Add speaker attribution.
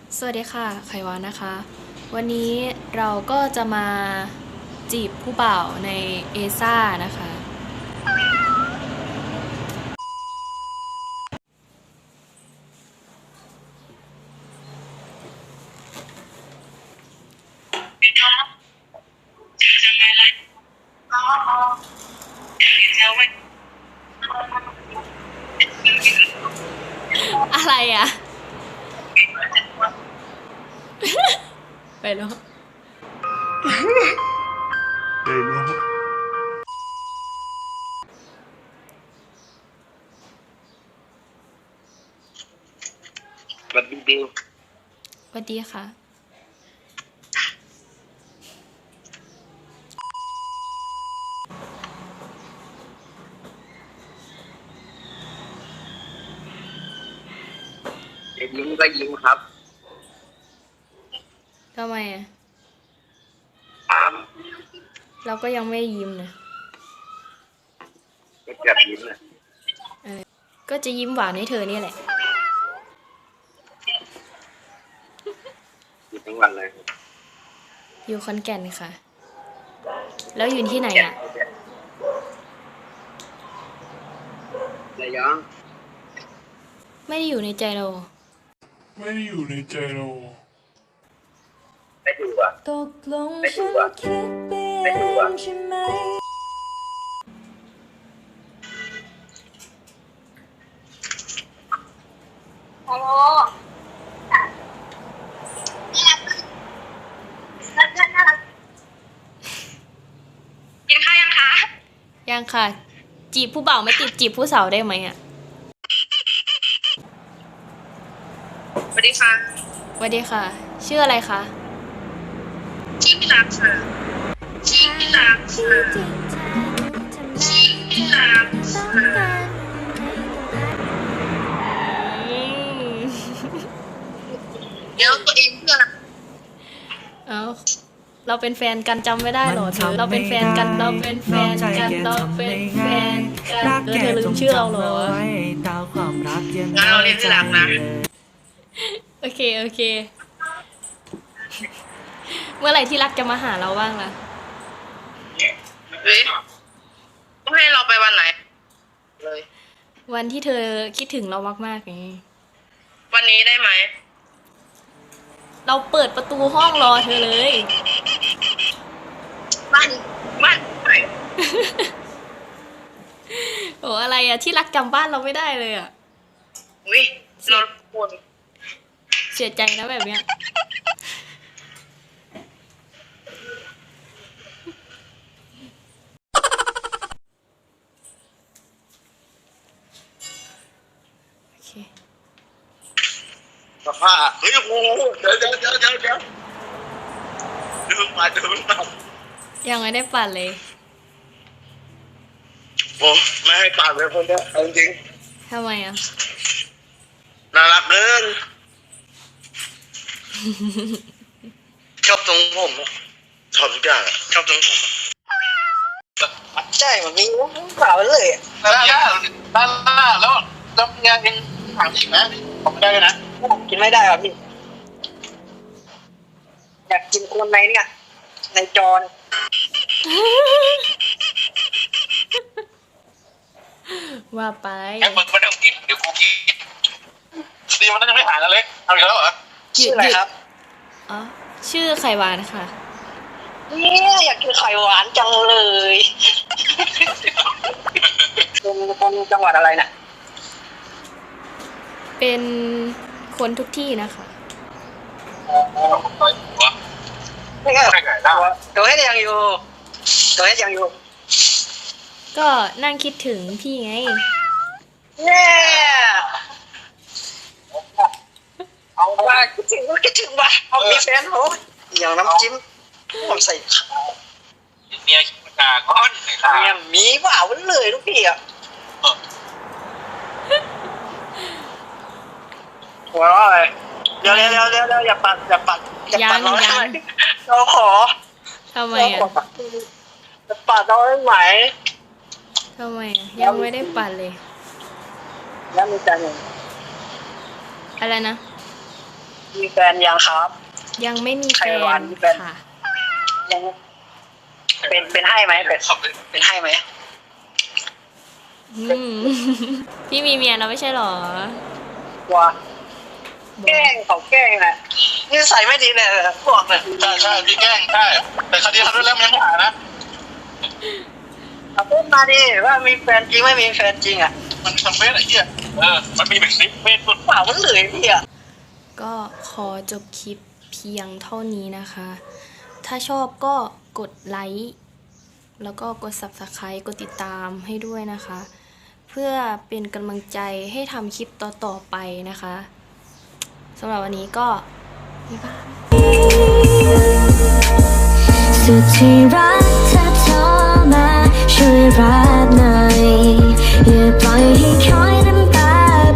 Speaker 1: สวัสดีค่ะไขวานนะคะวันนี้เราก็จะมาจีบผู้บ่าวในเอซ่านะคะอะไรอ่ะไปแล้ว
Speaker 2: แบบบิว
Speaker 1: สวัสดีค่ะ
Speaker 2: ยิ้มก็ยิ้มครับ
Speaker 1: ทำไมอ่ะ
Speaker 2: ถาม
Speaker 1: เราก็ยังไม่ยิ้มนะ
Speaker 2: ก็แบบยิ้มเลย
Speaker 1: ก็จะยิ้มหวานให้เธอนี่แหละ
Speaker 2: ยิ้มทั้งวันเลย
Speaker 1: อยู่ขอนแก่นค่ะแล้วอยู่ที่ไหนอ่ะ
Speaker 2: ระยอง
Speaker 1: ไม่ได้อยู่ในใจเรา
Speaker 3: ไม่ได้อยู่ในใจเรา
Speaker 2: ไม่ดูอ่ะ
Speaker 1: ตกลง
Speaker 2: ไม่ดู
Speaker 1: ฉัน
Speaker 2: อ่ะ
Speaker 1: คิดไปเอ
Speaker 2: ไม่ดูอ่ะ
Speaker 1: งใช่ไหม
Speaker 4: ฮัลโหลน่ารักกินข้าวยังคะ
Speaker 1: ยังค่ะ จีบผู้บ่าวไม่ติดจีบผู้สาวได้ไหมอ่ะ
Speaker 4: สวัสดีค่ะ
Speaker 1: สวัสดีค่ะ ชื่ออะไรคะ
Speaker 4: ชื่อพี่รักค่ะชื่อพี่รักค่ะชื่อพี่รักค่ะเดี๋ยวตัวเองเพื่อน
Speaker 1: เอาเราเป็นแฟนกันจำไม่ได้หรอเธอเราเป็นแฟนกันเราเป็นแฟนกันเราเป็นแฟนกันเธอลืมชื่อเราเหรอ
Speaker 4: งั้นเราเรียกที่รักนะ
Speaker 1: โอเคโอเค เมื่อไหร่ที่รักจะมาหาเราบ้างล่ะ
Speaker 4: เฮ้ยต้องให้เราไปวันไหนเลย
Speaker 1: วันที่เธอคิดถึงเรามากๆไง
Speaker 4: วันนี้ได้ไหม
Speaker 1: เราเปิดประตูห้องรอเธอเลย
Speaker 4: บ้านไหน
Speaker 1: โอ้อะไรอะที่รักจำบ้านเราไม่ได้เลยอะ
Speaker 4: วิเราปวด
Speaker 1: เสียใจนะแบบเนี้ยโอเค
Speaker 2: สภาพเฮ้ยโอ้โหเดี๋ยวดึงมา
Speaker 1: ยังไม่ได้ปั่นเลย
Speaker 2: โอ้ไม่ให้ปากเลยคนเนี้ยเอาจริง
Speaker 1: ทำไมอะ
Speaker 2: น่ารักเกินชอบตรงผมชอบทุกอย่างชอบตรงผม
Speaker 5: ใช่มันมีเปล่าเลยอ่ะ
Speaker 2: ด้านหน้าแล้วงานยังถามอีกไหมผมไม่ได้เลยนะ
Speaker 5: ผมกินไม่ได้อ่ะพี่ อยากกินคนในเนี่ย ในจอน
Speaker 1: ว่าไป
Speaker 2: แค่มึงไม่ต้องกินเดี๋ยวกูกินดีมันยังไม่หายนะเล็กเอาอีกแล้วเหรอ
Speaker 5: ชื่ออะไรครับ
Speaker 1: อ๋อชื่อไข่หวานค่ะ
Speaker 5: เนี่ยอยากกินไข่หวานจังเลยเป็นคนจังหวัดอะไรน่ะ
Speaker 1: เป็นคนทุกที่นะคะ
Speaker 5: นี่ก็ตัวเฮ็ดยังอยู่ตัวเฮ็ดยังอยู่
Speaker 1: ก็นั่งคิดถึงพี่ไง
Speaker 5: เนี่ยเอาว่าคิดถึงก็คิดถึงว่ะเอามีแฟนโหอย่างน้ำจิ้มผมใส่ข้าว
Speaker 2: เมียขี้มันด่าก้อนใส่ข้าว
Speaker 5: เนี่ยมีเปล่าเลยลูกพี่อ่ะหัวเราะอะไรเดี๋ยวอย่าปัดเราได้ไหมเราขอ
Speaker 1: ทำไม
Speaker 5: เรา
Speaker 1: อ่ะ
Speaker 5: ขอจะปัดเราได้ไหม
Speaker 1: ทำไมอ่ะยังไม่ได้ปั่นเลย
Speaker 5: แล้วมีใจหนึ่ง
Speaker 1: อะไรนะ
Speaker 5: มีแฟนยังครับ
Speaker 1: ยังไม่มีแฟ
Speaker 5: ใครหวาน
Speaker 1: น
Speaker 5: มีแฟน
Speaker 1: ค่ะ
Speaker 5: ยังเป็นให้ไหมเป็นให้ไหม
Speaker 1: อืม พี่มีเมียแล้วไม่ใช่หรอ
Speaker 5: ว่าแกล้งเขาแกล้งนะนิสัยไม่ดีเลยพวกเนี่ย
Speaker 2: ใช่พี่แกล้งใช่แต่คดีเขาด้วยแล้วยังไม่หานะ
Speaker 5: เอาพูดมาดิว่ามีแฟนจริงไม่มีแฟนจริงอ่ะ
Speaker 2: มันทำเฟซไอ้เหี้ยมันมีเป็น10 เฟซสุด
Speaker 5: เปล่ามันเหลือพี่อ่ะ
Speaker 1: ก็ขอจบคลิปเพียงเท่านี้นะคะ ถ้าชอบก็กดไลค์แล้วก็กด Subscribe กดติดตามให้ด้วยนะคะ เพื่อเป็นกำลังใจให้ทำคลิปต่อๆไปนะคะสำหรับวันนี้ก็บ๊ายบาย
Speaker 6: สุดที่รักเธอโทรมาช่วยรับหน่อยอย่าปล่อยให้คอย